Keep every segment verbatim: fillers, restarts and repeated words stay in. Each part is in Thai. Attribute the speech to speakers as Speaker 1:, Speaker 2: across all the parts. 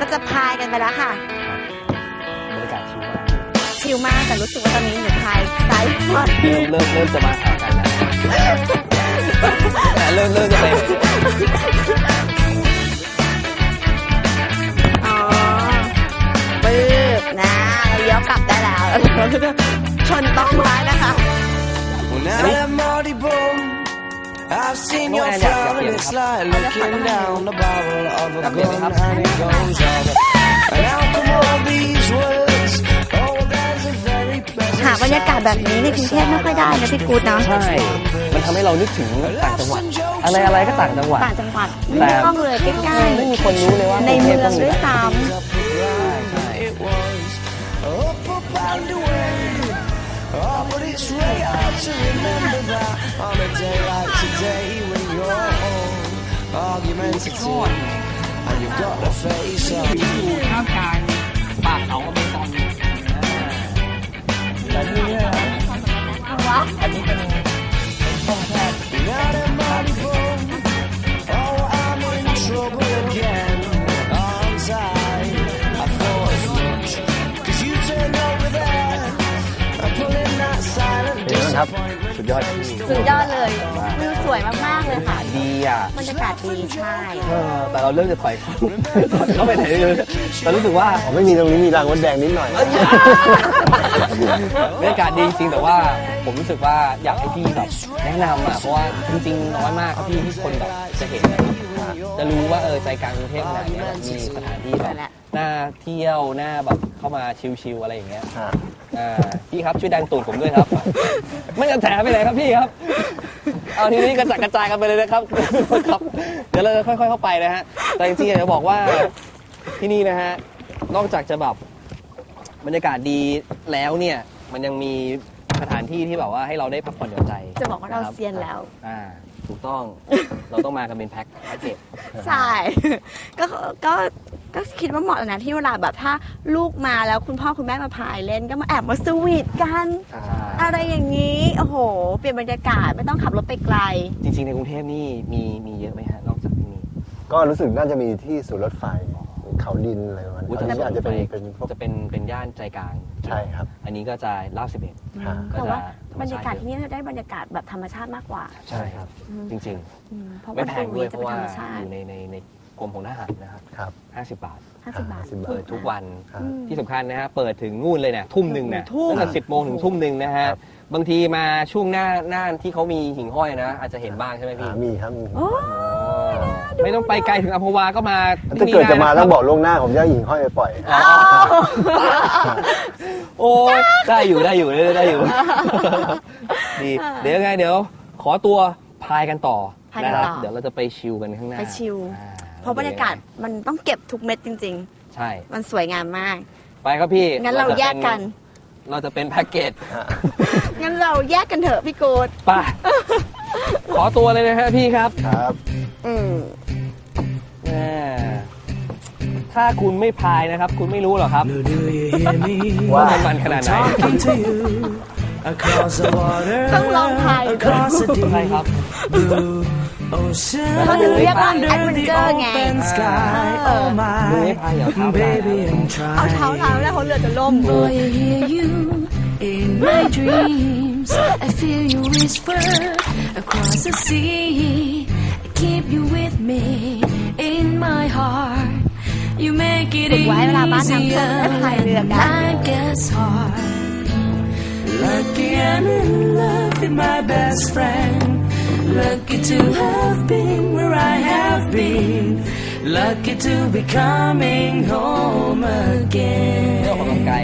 Speaker 1: จะพายกันไปแล้วค่ะ
Speaker 2: บรรยากาศชิลมาก
Speaker 1: ชิลมากแต่รู้สึกว่าตอนนี้หนูพายซ้ายขวา
Speaker 2: เริ่มเริ่มเริ่มจะมาหากันแล้วเริ่มเริ่มจะไป
Speaker 1: อ๋อปึ๊บนะเราเลี้ยวกลับได้แล้วเราจะชนต้นไม้นะคะ
Speaker 3: I've seen your frown and it's like looking down the barrel of a gun and it goes on. And how come all these words? Oh, there's a very pleasant
Speaker 1: หาบรรยากาศแบบนี้ในกรุงเทพไม่ค่อยได้นะพี่กู๊ดเนาะ
Speaker 2: ใช่มันทำให้เรานึกถึงต่างจังหวัดอะไรอะไรก็ต่างจังหวัด
Speaker 1: ต่างจังหวัดไม่ต้องเลยใกล้ๆ
Speaker 2: ไม่มีคนรู้เลยว่า
Speaker 1: ในเมืองด้วยซ้ำ
Speaker 3: Oh, but it's really hard to remember that on a day like today when you're home, argumentative, and you've got the face of.
Speaker 2: ท่ามกลางป่าเขาอเมซอนแต่ที่นี่นะอันนี้เป็นช่องแคบ
Speaker 3: Oh, I'm in trouble again. Aren't I? I thought as much. 'Cause you turned over there and pulling that silent
Speaker 2: ครับสุดยอด
Speaker 1: สุดยอดเลยวิวสวยมากๆเลยค่ะ
Speaker 2: ดีอ่ะ
Speaker 1: บรรยากาศดีใช่
Speaker 2: แต่เราเริ่มจะถอยเข้าไปไหนเลยแต่รู้สึกว่า
Speaker 4: ไม่มีตรงนี้มีรางวัดแดงนิดหน่อย
Speaker 2: บรรยากาศดีจริงแต่ว่าผมรู้สึกว่าอยากให้พี่แบบแนะนำอ่ะเพราะว่าจริงๆน้อยมากครับพี่ที่คนแบบจะเห็นนะครับจะรู้ว่าเออใจกลางกรุงเทพขนาดนี้มีสถานที่แบบน่าเที่ยวน่าแบบเข้ามาชิลๆอะไรอย่างเงี้ยอ่าพี่ครับช่วยดันตูดผมด้วยครับไม่จะแถไปไหนครับพี่ครับเอาทีนี้กระจัดกระจายกันไปเลยนะครับครับเดี๋ยวเราจะค่อยๆเข้าไปนะฮะแต่จริงๆอยากจะบอกว่าที่นี่นะฮะนอกจากจะแบบบรรยากาศดีแล้วเนี่ยมันยังมีสถานที่ที่แบบว่าให้เราได้พักผ่อนหย่อนใจ
Speaker 1: จะบอกว่าเราเซียนแล้ว
Speaker 2: อ่าถูกต้องเราต้องมากันเป็นแพ็คแพ็คเกจ
Speaker 1: ใช่ก็ก็ก็คิดว่าเหมาะนะที่เวลาแบบถ้าลูกมาแล้วคุณพ่อคุณแม่มาพายเล่นก็มาแอบมาสวีทกันอะไรอย่างนี้โอ้โหเปลี่ยนบรรยากาศไม่ต้องขับรถไปไกล
Speaker 2: จริงๆในกรุงเทพนี่มีมีเยอะไหมฮะนอกจากที่นี่
Speaker 4: ก็รู้สึกน่าจะมีที่ศูนย์รถไฟเขาดินอะไรประมาณนี้อาจจะเป็นเป็น
Speaker 2: จะเป็นเป็นย่านใจกลาง
Speaker 4: ใช่ครับ
Speaker 2: อันนี้ก็จะลาดสิบเอ็ด
Speaker 1: ก็จะบรรยากาศที่นี่ได้บรรยากาศแบบธรรมชาติมากกว่า
Speaker 2: ใช่ครับจริงๆไม่แพงด้วยเพราะว่าอยู่ในในในกรมของทหารนะครับ
Speaker 4: ครับ
Speaker 2: ห้าสิบบาท
Speaker 1: ห้าสิบบาท
Speaker 2: เปิดทุกวันที่สำคัญนะฮะเปิดถึงนู่นเลยเนี่ยทุ่มหนึ่งเนี่ยตั้งแต่สิบโมงถึงทุ่มหนึ่งนะฮะบางทีมาช่วงหน้าหน้าที่เขามีหิ่งห้อยนะอาจจะเห็นบ้างใช่ไหมพี่
Speaker 4: มีครับ
Speaker 2: ไม่ต้องไปไกลถึงอัมพวาก็มา
Speaker 4: ถ้าเกิดจะมาต้องบอกล่วงหน้าผมจะหิ่งห้อยไปปล่อย
Speaker 2: โอ้ได้อยู่ได้อยู่ได้อยู่ดีเดี๋ยวไงเดี๋ยวขอตัวพายกันต่อนะครับเดี๋ยวเราจะไปชิลกันข้างหน้า
Speaker 1: ไปชิลเพราะบรรยากาศมันต้องเก็บทุกเม็ดจริง
Speaker 2: ๆใช่
Speaker 1: มันสวยงามมาก
Speaker 2: ไปครับพี่
Speaker 1: งั้นเราแยกกัน
Speaker 2: เราจะเป็นแพ็กเกจ
Speaker 1: งั้นเราแยกกันเถอะพี่โกด
Speaker 2: ไปขอตัวเลยนะฮะพี่ครับ
Speaker 4: ครับ
Speaker 1: อืม
Speaker 2: ถ้าคุณไม่พายนะครับคุณไม่รู้หรอกครับว่ามันมันขนาดไหน
Speaker 1: ต้องลองพาย
Speaker 2: ใช่ครับ
Speaker 1: เขาถึงเรียกว่าแอดเวนเจอร์ไง
Speaker 2: มือไม่พายเหรอ
Speaker 1: เอาเท้าเท้าแล้วเขาเรือจะล่ม
Speaker 3: In my dreams, I feel you whisper across the sea. I keep you with me in my heart. You make it easier when life gets hard. Lucky I'm in love with my best friend. Lucky to have been where I have been. Lucky to be coming home again.
Speaker 2: เรื่องของกำลังกาย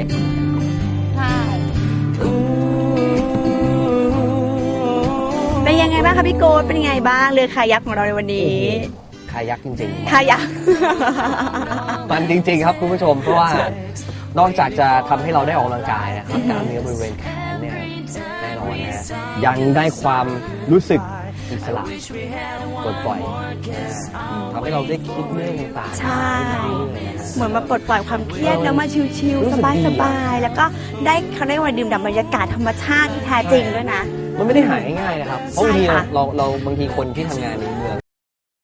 Speaker 1: เป็นยังไงบ้างคะพี่โกดเป็นยังไงบ้างเรือคายักของเราในวันนี้
Speaker 2: คายักจริง
Speaker 1: ๆคายัก
Speaker 2: มันจริงๆครับคุณผู้ชมเพราะว่านอกจากจะทำให้เราได้ออกกำลังกายนะครับกล้ามเนื้อบริเวณแขนเนี่ยแน่นอนนะยังได้ความรู้สึกอิสระปลดปล่อยทำให้เราได้คิดเรื่องต่างๆ
Speaker 1: ใช่เหมือนมาปลดปล่อยความเครียดแล้วมาชิลๆสบายๆแล้วก็ได้เขาได้มาดื่มด่ำบรรยากาศธรรมชาติที่แท้จริงด้วยนะ
Speaker 2: มันไม่ได้หายง่ายๆนะครับเพราะบางทีเราเราบางทีคนที่ทำงานในเมือง